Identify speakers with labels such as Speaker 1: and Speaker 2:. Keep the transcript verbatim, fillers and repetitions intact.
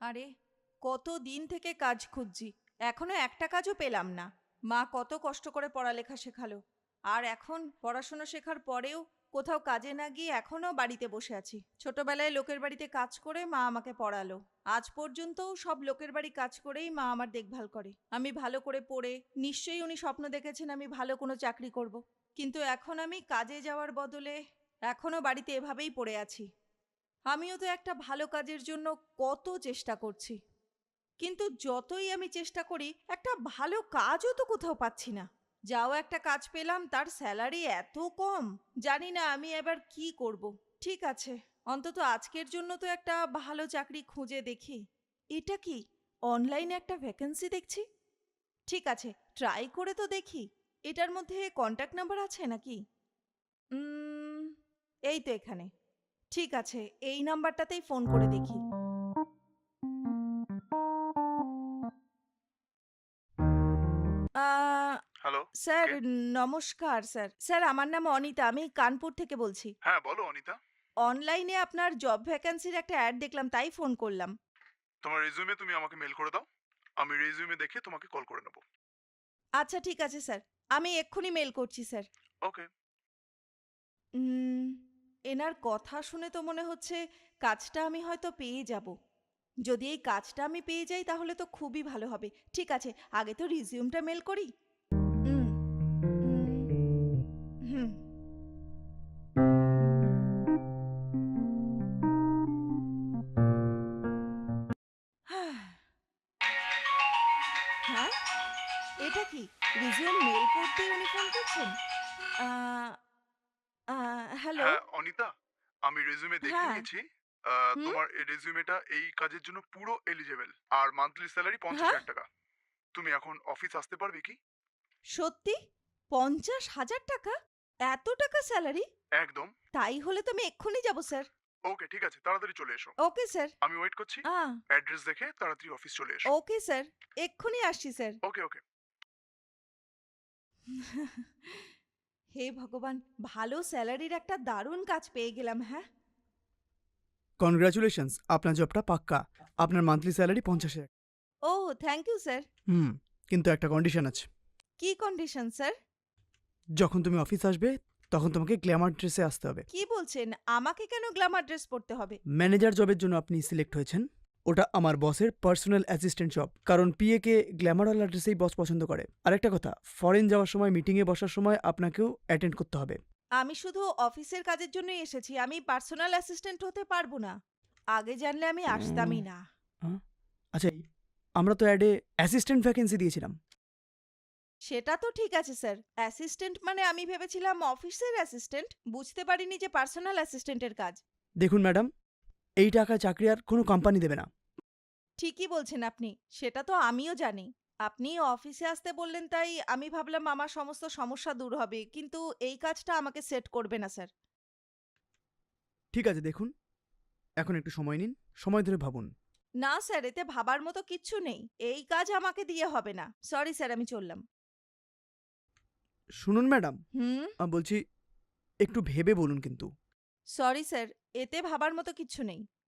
Speaker 1: আরে, কতদিন থেকে কাজ খুঁজছি, এখনো একটা কাজও পেলাম না। মা কত কষ্ট করে পড়ালেখা শেখালো, আর এখন পড়াশোনা শেখার পরেও কোথাও কাজে না গিয়ে এখনো বাড়িতে বসে আছি। ছোটবেলায় লোকের বাড়িতে কাজ করে মা আমাকে পড়ালো, আজ পর্যন্তও সব লোকের বাড়ি কাজ করেই মা আমার দেখভাল করে। আমি ভালো করে পড়ে নিশ্চয়ই উনি স্বপ্ন দেখেছেন আমি ভালো কোনো চাকরি করব, কিন্তু এখন আমি কাজে যাওয়ার বদলে এখনো বাড়িতে এভাবেই পড়ে আছি। আমিও তো একটা ভালো কাজের জন্য কত চেষ্টা করছি, কিন্তু যতই আমি চেষ্টা করি একটা ভালো কাজও তো কোথাও পাচ্ছি না। যাও একটা কাজ পেলাম, তার স্যালারি এত কম, জানি না আমি এবার কি করব। ঠিক আছে, অন্তত আজকের জন্য তো একটা ভালো চাকরি খুঁজে দেখি। এটা কি, অনলাইনে একটা ভ্যাকেন্সি দেখছি? ঠিক আছে, ট্রাই করে তো দেখি। এটার মধ্যে কন্ট্যাক্ট নাম্বার আছে নাকি? উম, এই তো এখানে। ঠিক আছে, এই নাম্বারটাতেই ফোন করে দেখি। Ah,
Speaker 2: hello.
Speaker 1: স্যার,
Speaker 2: কে?
Speaker 1: নমস্কার স্যার। স্যার, আমার নাম অনিতা, আমি কানপুর থেকে বলছি।
Speaker 2: হ্যাঁ, বলো অনিতা।
Speaker 1: অনলাইনে আপনার জব ভ্যাকান্সির একটা অ্যাড দেখলাম, তাই ফোন করলাম।
Speaker 2: তোমার রেজিউমে তুমি আমাকে মেল করে দাও। আমি রেজিউমে দেখে তোমাকে কল করে নেব।
Speaker 1: আচ্ছা ঠিক আছে স্যার, আমি এক্ষুনি মেল করছি স্যার।
Speaker 2: ওকে।
Speaker 1: উম, এনার কথা শুনে তো মনে হচ্ছে কাজটা আমি হয়তো পেয়ে যাব। যদি এই কাজটা আমি পেয়ে যাই তাহলে তো খুবই ভালো হবে। ঠিক আছে, আগে তো রিজিউমটা মেল করি। উম, উম, হুম। হ্যাঁ, এটা কি, রিজিউম মেল করতেই উনি ফোন করছেন? Ah, ah, hello.
Speaker 2: হ্যাঁ, অনিতা, আমি রেজিউমে দেখে
Speaker 1: হ্যাঁ।
Speaker 2: নিয়েছি। আহ,
Speaker 1: হুম।
Speaker 2: তোমার এই রেজিউমেটা এই কাজের জন্য পুরো এলিজেবল। আর মান্থলি স্যালারি পঞ্চাশ
Speaker 1: হ্যাঁ,
Speaker 2: হাজার টাকা। তুমি এখন অফিস আসতে পারবে কি?
Speaker 1: সত্যি? পঞ্চাশ হাজার টাকা? এত টাকা স্যালারি?
Speaker 2: একদম।
Speaker 1: তাই হলে তো আমি এক্ষুনি যাব স্যার।
Speaker 2: ওকে, ঠিক আছে, তাড়াতাড়ি চলে এসো।
Speaker 1: Okay sir.
Speaker 2: আমি ওয়েট করছি।
Speaker 1: আ
Speaker 2: অ্যাড্রেস দেখে তাড়াতাড়ি অফিস চলে এসো।
Speaker 1: ওকে স্যার, এক্ষুনি আসছি স্যার।
Speaker 2: ওকে, ওকে।
Speaker 1: হে ভগবান, ভালো স্যালারির একটা দারুণ কাজ পেয়ে গেলাম। হ্যাঁ।
Speaker 3: কনগ্রাচুলেশনস, আপনার জবটা পাক্কা। আপনার মান্থলি স্যালারি পঞ্চাশ হাজার।
Speaker 1: ও, থ্যাংক ইউ স্যার।
Speaker 3: হুম, কিন্তু একটা কন্ডিশন আছে।
Speaker 1: কি কন্ডিশন স্যার?
Speaker 3: যখন তুমি অফিস আসবে তখন তোমাকে গ্ল্যামার ড্রেসে আসতে হবে।
Speaker 1: কি বলছেন? আমাকে কেন গ্ল্যামার ড্রেস পরতে হবে?
Speaker 3: ম্যানেজার জবের জন্য আপনি সিলেক্ট হয়েছেন। ওটা আমার বসের পার্সোনাল অ্যাসিস্ট্যান্ট জব, কারণ পিএ কে গ্ল্যামারওয়ালা ড্রেসেই বস পছন্দ করে। আরেকটা কথা, ফরেন যাওয়ার সময় মিটিংয়ে বসার সময় আপনাকেও অ্যাটেন্ড করতে হবে।
Speaker 1: আমি শুধু অফিসের কাজের জন্যই এসেছি, আমি পার্সোনাল অ্যাসিস্ট্যান্ট হতে পারবো না। আগে জানলে আমি আসতামই না।
Speaker 3: হ্যাঁ? আচ্ছা, আমরা তো অ্যাডে অ্যাসিস্ট্যান্ট ভ্যাকেন্সি দিয়েছিলাম।
Speaker 1: সেটা তো ঠিক আছে স্যার, অ্যাসিস্ট্যান্ট মানে আমি ভেবেছিলাম অফিসের অ্যাসিস্ট্যান্ট, বুঝতে পারিনি যে পার্সোনাল অ্যাসিস্ট্যান্টের কাজ।
Speaker 3: দেখুন ম্যাডাম, এই টাকায় চাকরি আর কোনো কোম্পানি দেবে না।
Speaker 1: ঠিকই বলছেন আপনি, সেটা তো আমিও জানি। আপনি অফিসে আসতে বললেন তাই আমি ভাবলাম আমার সমস্ত সমস্যা দূর হবে, কিন্তু এই কাজটা আমাকে সেট করবে না স্যার।
Speaker 3: ঠিক আছে, দেখুন, এখন একটু সময় নিন, সময় ধরে ভাবুন।
Speaker 1: না স্যার, এতে ভাবার মতো কিচ্ছু নেই, এই কাজ আমাকে দিয়ে হবে না। সরি স্যার, আমি চললাম।
Speaker 3: শুনুন ম্যাডাম,
Speaker 1: হুম।
Speaker 3: বলছি একটু ভেবে বলুন কিন্তু।
Speaker 1: সরি স্যার, এতে ভাবার মতো কিচ্ছু নেই।